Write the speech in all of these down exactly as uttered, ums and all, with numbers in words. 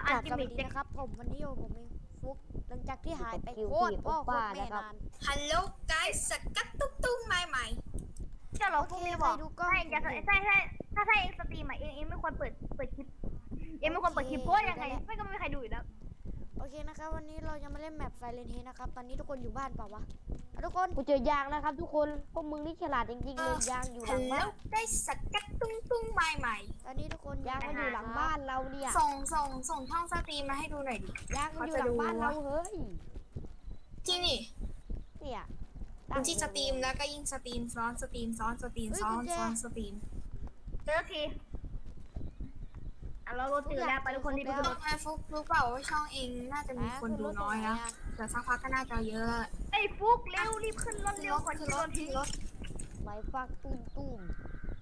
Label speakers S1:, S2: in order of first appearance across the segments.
S1: กราบสวัสดีนะครับผมวันนี้โยผมเองฟุกหลังจากที่หายไปโคตรพ่อโคตรแม่นาน
S2: ฮัลโหลไกด์สกัดตุ้งตุ้งใหม่ใหม่
S3: เชื่อเราพวกนี้บอก
S1: ดูกล้อง
S3: ใช่จะใช่ใช่ถ้าใช่เองสตรีมอ่ะเองเองไม่ควรเปิดเปิดคลิปเองไม่ควรเปิดคลิปเพราะยังไงไม่ก็ไม่มีใครดูอยู่แล้ว
S1: โอเคนะครับวันนี้เราจะมาเล่นแมปไซเลนเฮดนะครับตอนนี้ทุกคนอยู่บ้านเปล่าวะทุกคน
S4: กูเจอยางนะครับทุกคนพวกมึงนี่ฉลาดจริงๆเลยยางอยู่ห
S2: ฮั
S4: ลั
S2: ล
S4: ง
S2: โหล
S4: บ้าน
S2: ไกด์สกัดตุ้งตุ้งใหม่ใหม่
S1: ตอนนี้ทุกคน
S4: ยางมันอยู่หลังบ้านเราเนี่ย
S2: ส่งส่งส่งช่องสตรีมมาให้ดูหน่อยดิ
S4: ยางมันอยู่หลังบ้านเราเฮ้ย
S2: ที่นี่
S4: เนี่ย
S2: เป็นที่สตรีมแล้วก็ยิ่งสตรีมซ้อนสตรีมซ้อนสตรีมซ้อนซ้อนสตรีม
S3: เจอทีอ่ะเราก็ตื่นแล้วไปทุกคนที่ดู
S2: ต้องให้ฟุกรู้เปล่าว่าช่องเองน่าจะมีคนดูน้อยนะแต่สักพักก็น่าจะเยอะ
S3: ไอ้ฟุกเร็วรีบขึ้นรถเร็วก่อนที่รถทิ้ง
S2: รถ
S4: ไม้ฟักตุ้มตุ้ม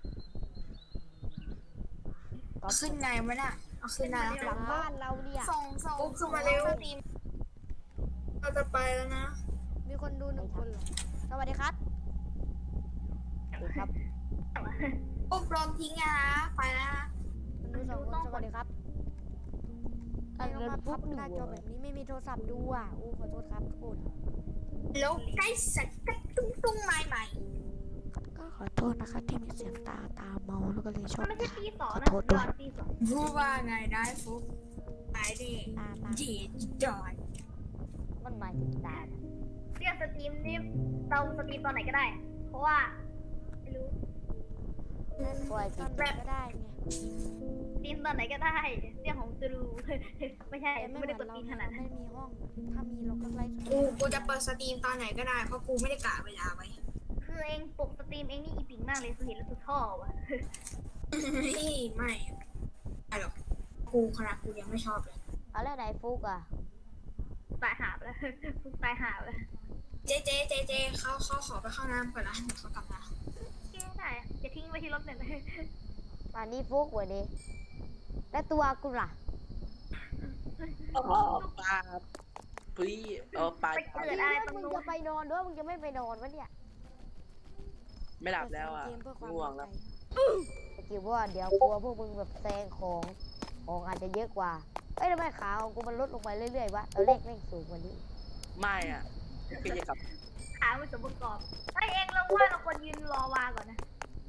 S2: เอาขึ้นไหนวะน่ะเอาขึ้นไหน
S4: หลังบ้านเราเนี่ย
S2: ส่งส่งขึ้นมาเร็วสตรีมเราจะไปแล้วนะ
S1: มีคนดูหนึ่งคนเหรอสวัสดีครับ
S4: นี่ครับ
S2: ปุ๊บโดนทิ้งอะนะไปแล้วนะ
S1: คนดูสองคนสวัสดีครับ
S4: อัน
S1: เรา
S4: นั้น
S1: มา
S4: ปุ๊
S1: พั
S4: บบ หนู
S1: หน้าจอแบบนี้ไม่มีโทรศัพท์ดูอ่ะอู้ขอโทษครับทุกคน
S2: แล้วไกด์สกัดตุ้งตุ้งใหม่ใหม่
S1: ก็ขอโทษนะครับที่มีเสียงตาตาเมาแล้วก็เลยชอบ
S3: มันไม่ใช่ตีสอง
S1: ขอ
S3: นะ
S1: โทษด้
S3: ย้
S1: ว
S3: อย นตีสอง
S2: พูดว่าไงได้ฟุกไปดิ
S1: ตาตา
S2: ดีจอย
S4: มันหมายถึงตา
S3: เรียกสตรีมนี่เราสตรีมตอนไหนก็ได้ เพราะว่าไม่รู้
S4: ปล่อย
S1: ต
S4: สิ
S1: อนไหนก็ได้ไง
S3: สตรีมตอนไหนก็ได้เรื่องของตรูไม่ใช่
S1: แต่ไม่
S3: ไม่
S1: เหมื
S3: ได้
S1: อน
S3: กด
S1: เรา
S3: ตีนข
S1: ไง
S3: นาด
S1: เรา
S3: นั้น
S1: ไม่มีห้อง ถ้ามีเราก็ไลฟ์สด
S2: กูกูจะเปิดสตรีมตอนไหนก็ได้เพราะกูไม่ได้กะเวลาไว้
S3: คือเองปกสตรีมเองนี่อีปิงมากเลยสุดเห็นแล้วสุดท่อว่ะ
S2: ไม่ไม่ไม่หรอกกูขนาดกูยังไม่ชอบเลย
S4: เอาแล้วไหนฟุกอ่ะ
S3: ตายหาบแล้วฟุกตายหาบแล้ว
S2: เจเจเจเจเขาเขาขอไปเข้าน้ำก่อนนะเดี๋ยวเขากลับมา
S3: เจ๊ได้อะอย่าทิ้งไว้ที่รถเลยนะ
S4: มานี่ฟุกวันนี้แล้วตัวกูล่ะ
S5: อ๋อปลาพี่เออปลา
S3: ไปเกิดอะไรตรง
S4: มึง
S3: นู้
S4: จะ
S3: น
S4: ไปนอนด้วยมึงจะไม่ไปนอนวะเนี่ย
S5: ไม่หลับแล้วอ่ะ
S1: เกมเพื่อความ
S5: ง่วง
S1: ปล
S5: แล้
S1: อ
S5: ว
S1: ดภัย
S4: ตะกี้ว่าเดี๋ยวกลัวพวกมึงแบบแซงของของอาจจะเยอะกว่าเอ้ยทำไมขาของกูมันลดลงไปเรื่อยๆวะตัวเลขแม่งสูงกว่านี้
S5: ไม่อ่ะพี่จะกลับ
S3: ขาไม่สมประกอบไอเองเราว่าเราควรยืนรอวาก่อนนะ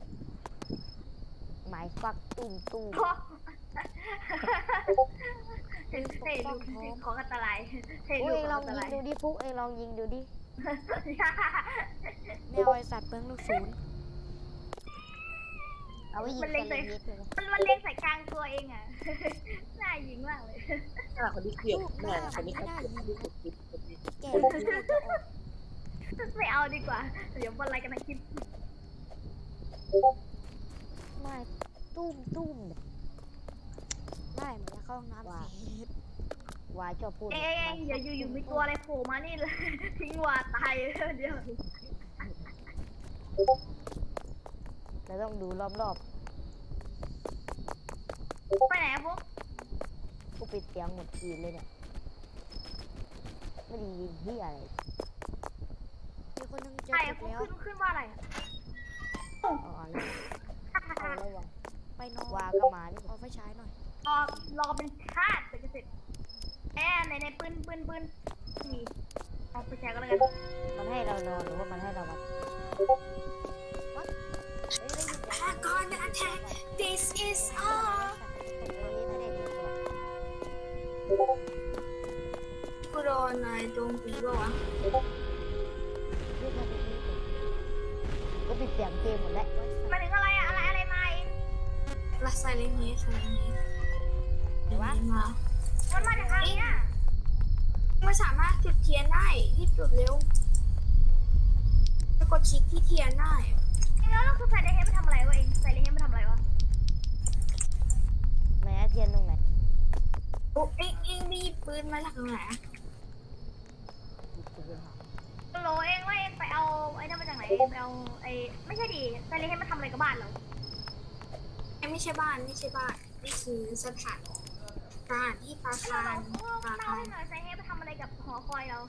S4: หมายฟักตุ้มตุ้ม
S3: เพราะเฮ้ยดูของอันตรายเฮ้ย
S4: ฟุก
S3: ดู
S4: เอง
S3: ข
S4: ล
S3: อ
S4: อง ง
S3: อันต
S4: ยิ
S3: ราง ย
S4: ดูดิฟุกเองลองยิงดูดิ
S1: แมวไอสัตว์เปิ้งลูกศูนย์
S4: เอาไว้ยิงกันเลยนิดนึง
S3: มันมันเล็งใส่กลางตัวเองอ่ะน่ายิงมากเลย
S5: น่าคนที่เกลียดแม่คนนี้เขาเกลียดที่สุดที่สุดที่
S1: แก่ที่จะออก
S3: ไม่เอาดีกว่า เดี๋ยวบนอะไรกันนะคิด
S4: ไม่ตุ้มตุ้ม
S1: ไม่เหมือนจะเข้าห้องน้ำเสร็จ
S4: วายชอบพูด
S3: เองอย่าอยู่ๆมีตัวอะไรโผล่มานี่เลยทิ้งวาตายเดียว
S4: เราต้องดูรอบ
S3: ไปไหนพวก
S4: ๆกูปิดเสียงหมดทีเลยเนี่ยไม่ได้ยินที่อะไร
S1: มีคนนึงเจอ
S3: ใช่
S1: จุด
S3: พวก
S1: แล้ว
S3: ขึ้นขึ้นว่าอะไร
S4: เอาเอาแล้วเอาแล้ววะ
S1: ไปนอน
S4: วาก็มานี่
S1: เอาไฟฉายหน่อย
S3: รอรอเป็นชาติจะเสร็จแอในในปืนปืนปืนนี่เอาไปแชร์กันแล้วกัน
S4: มันให้เรานอนหรือว่ามันให้เราวัด
S1: เอ้ยได้ยิน
S2: พากอนแอทแทก this is all
S4: ตรงนี้ไม่ได้ดูหรอก
S2: กูโดนนายโจมตีป่าวะ
S4: นี่มันเป็นนี่กูปิดเสียงเกมหมดแล้ว
S3: มาถึงอะไรอะอะไรอะไรมาเอง
S2: ลัสไซเลนเฮสไซเลนเฮสเดี๋ยวมา
S3: มันมาจากทางนี้อะ
S2: มันสามารถจุดเทียนได้รีบจุดเร็วไปกดคลิกที่เทียนได้
S3: เองแล้วเราคือใส่เลเฮมันทำอะไรวะเองใส่เลเฮมันทำอะไรวะ
S4: ไหนอะเทียนตรงไหน
S2: โอ้เอ็งเอ็งมีปืนมาจากไหนอะ
S3: โหลเองว่าเองไปเอาไอ้นั่นมาจากไหนไปเอาไอ้ไม่ใช่ดิใส่เลเฮมันทำอะไรกับบ้านเรา
S2: เอ็งไม่ใช่บ้านไม่ใช่บ้านนี่คือสถานสถานที่ปรา
S3: เรา
S2: คาร
S3: เรา
S2: ปรา
S3: เล่า
S2: คาร
S3: ให้หน่อยใส่เลเฮมันทำอะไรกับหอคอยเรา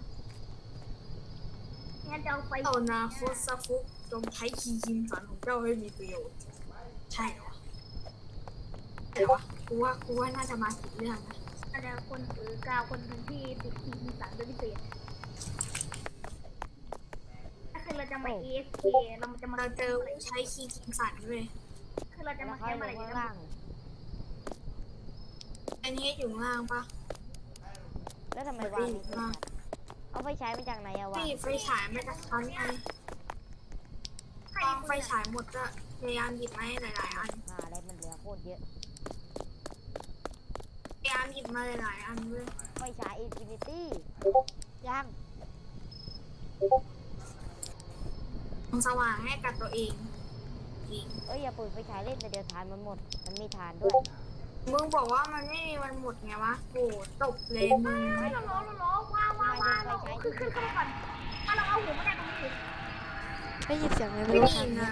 S3: งั้นจะเอาไป
S2: เอานาโคตซาฟุกจงใช้คีย์ยิมสันของเจ้าให้มีประโยชน์ใช่เหรอใช่เหรอวะกูว่ากูว่าน่าจะมาผิดเรื่องนะ
S3: อันอาจจะคนหรือกาวคนหนึ่งที่ติดทีมีสารเป็นพิเศษถ้าคือเราจะมา เอ เอฟ เค เราจะมา
S2: เราเจอใช้คีย์คิมสันเลย
S3: คือเราจะ
S4: แล้ว
S3: มา
S4: ค่อ
S3: แค่
S4: ยล
S3: อะไร
S4: ง
S3: อยู่
S4: ข้าง
S3: นะ
S4: ล่าง
S2: อันนี้อยู่ข้างล่างปะ
S4: แล้วทำไมวางไม่ชัดเอาไฟฉายมาจากไหนอะวะ
S2: พี่ไฟฉายไม่จะช้อนไง
S3: ใคร
S2: ลองไฟฉายหมดก็พยายามหยิบมาให้หลายๆอัน
S4: หาอะไรมันเหลือโคตรเยอะ
S2: พยายามหยิบมาหลายๆอันเลย
S4: ไฟฉายอินฟินิตี้
S1: ยัง
S2: ส่องสว่างให้กับตัวเองจริง
S4: เอ้ยอย่าเปิดไฟฉายเล่นแต่เดี๋ยวฐานมันหมด มันมีฐานด้วย
S2: มึงบอกว่ามันไม่มีวันหมดไงวะโหตบเลยมึง
S3: เฮ้ยเราล้อเราล้อว้าวว้าวว้าวเราคือคือเข้ามาก่อนถ้าเราเอาหูมาแนบตรงนี้
S1: ได้ยินเสียงอะไรไม่
S2: ไม่
S1: รู้
S2: ได้
S1: ทา
S2: ยิ
S1: ง
S2: น
S1: นี้
S2: นะ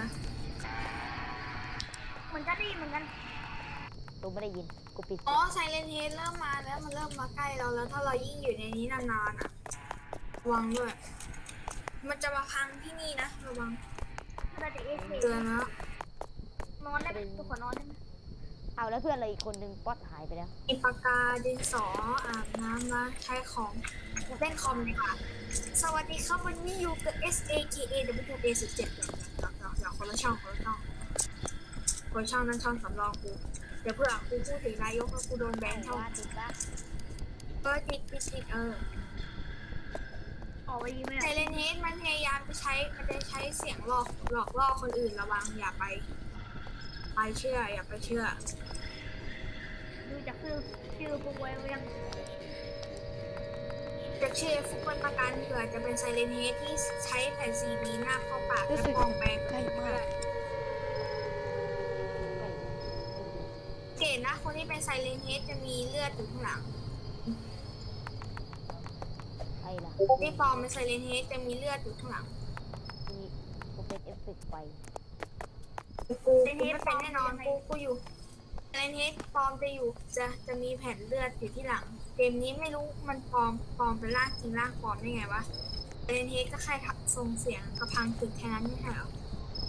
S3: มันก็ดีเหมือนกัน
S4: ตูไม่ได้ยิน กูปิด
S2: อ๋อไซเลนเฮดเริ่มมาแล้วมันเริ่มมาใกล้เราแล้วถ้าเรายิ่งอยู่ในนี้นานๆอ่ะระวังด้วย มันจะมาพังที่นี่นะระวัง
S3: คือเราจะ เอ เค
S2: เตือนแล้ว
S3: นอนได้ไหมทุกคนนอนได้ไหม
S4: เอาแล้วเพื่อนเราอีกคนนึงป๊อตหายไปแล้ว
S2: มีปากกาดินสออาบน้ำล้างใช้ของเล่นคอมดีกว่าสวัสดีครับวันนี้อยู่กับ S A K A W A สิบเจ็ดเดี๋ยวเดี๋ยวเดี๋ยวเดี๋ยวคนละช่องคนละช่องคนละช่องนั้นช่องสำรองกูเดี๋ยวเพื่อกูพูดถึงนายกแล้วกูโดนแบนช่อง
S4: ว่าติดปะ
S2: เออติดติดติดเออ
S3: ออกไปดีไหม
S2: ไซเลนเฮดมันพยายามจะใช้มันจะใช้เสียงหลอกหลอกล่อคนอื่นระวังอย่าไป ไปเชื่ออย่าไปเชื่อ
S3: ดูจากชื่อชื่อพวกไว้ยัง
S2: จากเชื่อฟุกเป็นประกันเผื่อจะเป็นไซเลนเฮดที่ใช้แผ่นซีดีหน้าเข้าปากและปลอมแปลงเป็นเพื่อนเกตนะคนที่เป็นไซเลนเฮดจะมีเลือดอยู่ข้างหลัง
S4: ใครล่ะ
S2: ที่ปลอมเป็นไซเลนเฮดจะมีเลือดอยู่ข้างหลัง
S4: มีกูเป็นเอฟเฟกต์ไฟ
S2: กูกูไม่เป็นแน่นอนกูกูอยู่ไซเลนเฮดปลอมจะอยู่จะจะมีแผ่นเลือดอยู่ที่หลังเกมนี้ไม่รู้มันปลอมปลอมเป็นร่างจริงร่างปลอมได้ไงวะไซเลนเฮดก็แค่ส่งเสียงกระพังตึกแค่นั้นไม่ใช่เหรอ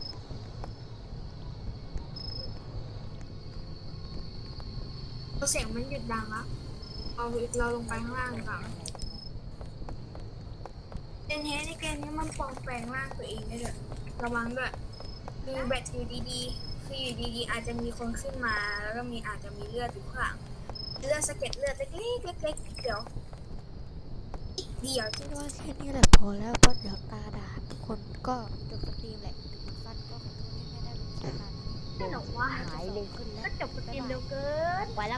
S2: พอเสียงมันหยุดดังแล้วเอาเราลงไปข้างล่างดีกว่าไซเลนเฮดในเกมนี้มันปลอมแปลงร่างตัวเองได้เลยระวังด้วยคือแบตอยู่ดีๆคืออยู่ดีๆอาจจะมีคนขึ้นมาแล้วก็มีอาจจะมีเลือดอยู่ข้างหลังเลือดสะเก็ดเลือดเล็กๆเล็กๆเดี๋ยวเดี๋ยว
S1: คิดว่าแค่นี้แหละพอแล้วเพราะเดี๋ยวตาด่าทุกคนก็จบสตรีมแหละถึงสั้นก็ขอโทษที่ไม่ได้ลงคลิปนาน
S3: ไม่หรอกว่า
S4: หายเลย
S1: ขึ้นแล้ว
S3: ก็จบสตรีมเร็วเกิน
S4: ไปแล้ว